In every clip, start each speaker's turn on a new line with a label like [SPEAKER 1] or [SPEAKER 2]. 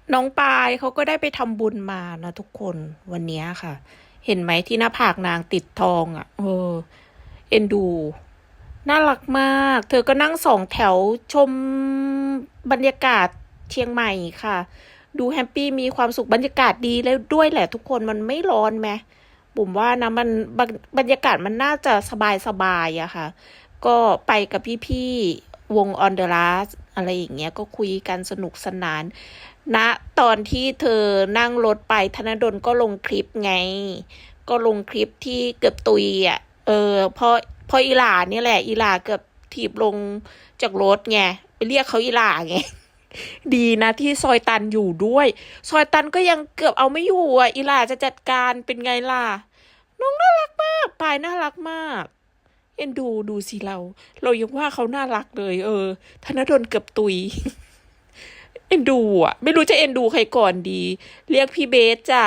[SPEAKER 1] น้องปายเขาก็ได้ไปทำบุญมานะทุกคนวันนี้ค่ะ เห็นไหมที่หน้าผากนางติดทองอ่ะเอ็นดูน่ารักมาก เธอก็นั่งสองแถวชมบรรยากาศเชียงใหม่ค่ะ ดูแฮปปี้มีความสุขบรรยากาศดีแล้วด้วยแหละทุกคนมันไม่ร้อนไหมบุ๋มว่านะมันบรรยากาศมันน่าจะสบายอะค่ะ ก็ไปกับพี่ๆวงออนเดอะลัสอะไรอย่างเงี้ยก็คุยกันสนุกสนานณตอนที่เธอนั่งรถไปธนดลก็ลงคลิปไง ก็ลงคลิปที่เกือบตุยอ่ะพออีหลาเนี่ยแหละอีหลาเกือบถีบลงจากรถไงไปเรียกเขาอีหลาไงดีนะที่ซอยตันอยู่ด้วยซอยตันก็ยังเกือบเอาไม่อยู่อ่ะอีหลาจะจัดการเป็นไงล่ะน้องน่ารักมากปายน่ารักมาก เอ็นดูสิเรายังว่าเขาน่ารักเลยธนดลเกือบตุยเอ็นดูอ่ะไม่รู้จะเอ็นดูใครก่อนดีเรียกพี่เบสจ้ะ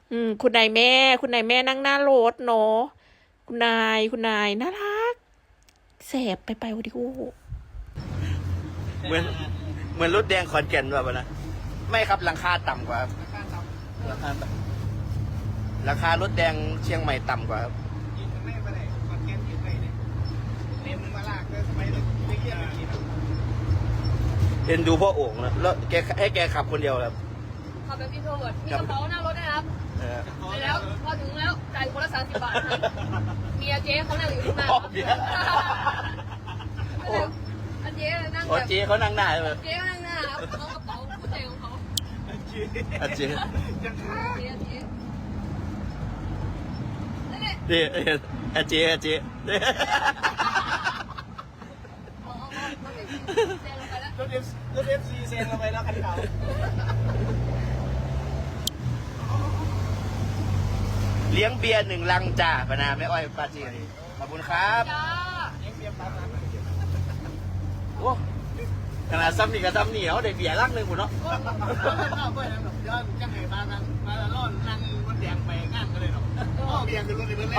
[SPEAKER 1] คุณนายแม่นั่งหน้ารถเนาะคุณนายน่ารักแสบไปโอดิโอ
[SPEAKER 2] เหมือนเหมือนรถแดงขอนแก่นแบบนะไม่ครับราคาต่ำกว่าครับราคารถแดงเชียงใหม่ต่ำกว่าครับเอ็นดูพ่อโอ่งนะแล้วแกให้แกขับคนเดียวครับ
[SPEAKER 3] ขับแบบอินโทรเวิร์ดมีกระเป๋าหน้ารถนะครับไปแล้วพอถึงแล้วจ่ายคนละ30 บาทนะเมียเจ๊เขานั่งอยู่ข้างหน้าอันเจ๊นั่งแบบ
[SPEAKER 2] เจ๊เขานั่งหน้าเลย
[SPEAKER 3] เจ๊เขานั่งหน้าครับเขากระเป๋าผู้ใจของเขา
[SPEAKER 2] เจ๊
[SPEAKER 3] เจ๊
[SPEAKER 2] เจ๊รถเอฟซีเซนลงไปแล้วคันเก่าเลี้ยงเบียร์1 ลังจ้าปนาแม่อ้อยปาจีขอบคุณครับเลี้ยงเบียร์ปั๊บโอ้ขนาดซ้ำนี่กับซ้ำเหนียวได้เบียร์ลังหนึ่งหมดเนาะย้อนจังเลยมาล่อนนั่งรถแดงไปงานกันเลยเนาะเบียร์คือรถเล่น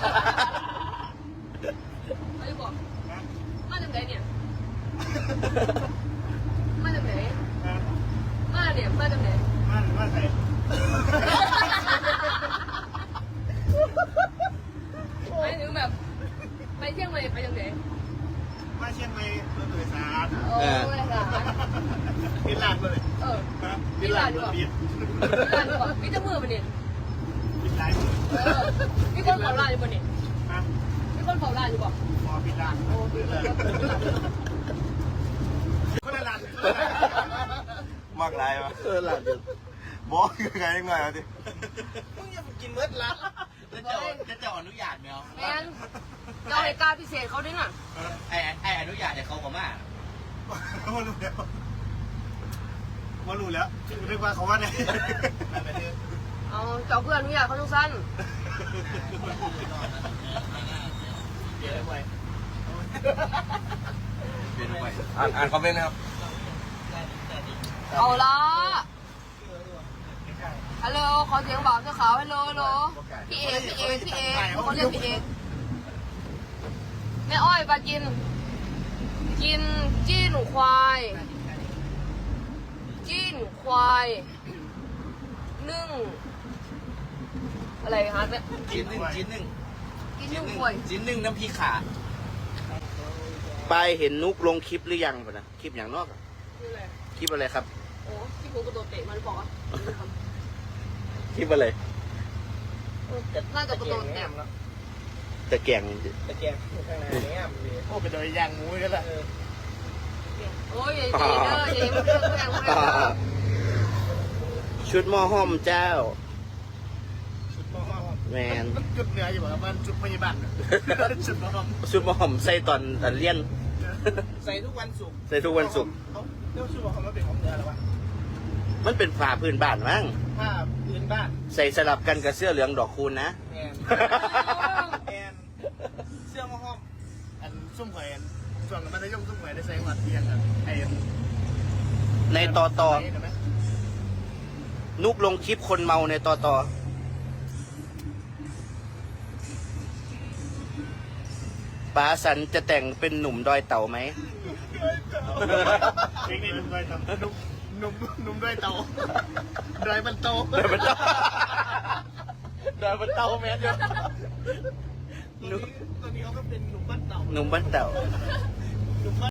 [SPEAKER 3] เขาจะบอกมาจากไหนเนี่ยมาจากไหนมาจากไหน
[SPEAKER 2] มาใคร
[SPEAKER 3] ไปถึงแบบไปเชียงใหม่ไปจากไหน
[SPEAKER 2] มาเชียงใหม่รถโดยสาร
[SPEAKER 3] โอ้ยสาร
[SPEAKER 2] กินลาดเลย
[SPEAKER 3] กินลาดดีกว่ามีจมือมันเนี่ย
[SPEAKER 2] กินลาด
[SPEAKER 3] มีคนเผาลาดอยู่บนเนี่ยมีคนเผาลาดอยู่บ่
[SPEAKER 2] พอกินลาดโอ้คนละลาดมากไรวะลาดบอกยังไงยังไงเอาดิมึงอย่ากินเมื่อละจะอนุญาตไหมเอา
[SPEAKER 3] แมนเราเหตุการณ์พิเศษเขาด้วยน่ะ
[SPEAKER 2] ไออนุญาตเนี่ยเขาก็มาว่ารู้แล้วเรียกว่าเขาว่าไง
[SPEAKER 3] เอาเจ้าเพื่อนอนุญาตเขาทุกสั้น
[SPEAKER 2] เปลี่ยนไปอ่านคอมเมนต์นะครับ
[SPEAKER 3] เอาละฮัลโหลขอเสียงบอกเจ้าขาวฮัลโหลพี่เอกเขาเรียกพี่เอกแม่อ้อยปลากินจี้นควายนึ่งอะไรฮะเนี่ย
[SPEAKER 2] จิ้นหนึ่ง
[SPEAKER 3] ควาย
[SPEAKER 2] จิ้นหนึ่งน้ำพริกขาไปเห็นนุกลงคลิปหรือยังป่ะนะคลิปอย่างนอกคลิปอะไรครับ
[SPEAKER 3] โอ้คลิปผมกระโดดเตะมันบอกว่า
[SPEAKER 2] คลิปอะไร
[SPEAKER 3] น่าจะกระโดดเตะ
[SPEAKER 2] ตะแกงข้างในเนี่ยโอ้เป็นโดยย่างงูกันละ
[SPEAKER 3] โอ้ยอย่ามันเรื่องแรง
[SPEAKER 2] ชุดหม้อห้อมเจ้าแมน
[SPEAKER 4] จุดเหนืออยู่แบบมันจุดพยาบาลชุดหม้อ
[SPEAKER 2] ห้อมใส่ตอนเลี้ยน
[SPEAKER 4] ใส่ทุกวันศุกร์
[SPEAKER 2] เ
[SPEAKER 4] รียกชุดหม้อห้อมมันเป็นของเหนือหรอวะ
[SPEAKER 2] มันเป็นผ้าพื้นบ้านมั้ง
[SPEAKER 4] ผ้าพื้นบ้าน
[SPEAKER 2] ใส่สลับกันกับเสื้อเหลืองดอกคูณนะ
[SPEAKER 4] แอนเสื้อหม้อห้อมอันซุ่มหอยส่วนมันจะย่อมซุ่มหอยได้ใส่หวัดเพียงไอ้
[SPEAKER 2] ในต่อนุกลงคลิปคนเมาในต่อป๋าสันจะแต่งเป็นหนุ่มดอยเต่าไหม
[SPEAKER 4] เพลงนี้หนุ่มดอยเต่านุหนุ่มด้วยเตาดอยมันโต
[SPEAKER 2] เดินเป็นเต้าเดินเป็นเต้าแมนอยู่
[SPEAKER 4] ตอนนี้เขาก็เป็นหนุ่มบ้านเต่า
[SPEAKER 2] หนุ่มบ้านเต่า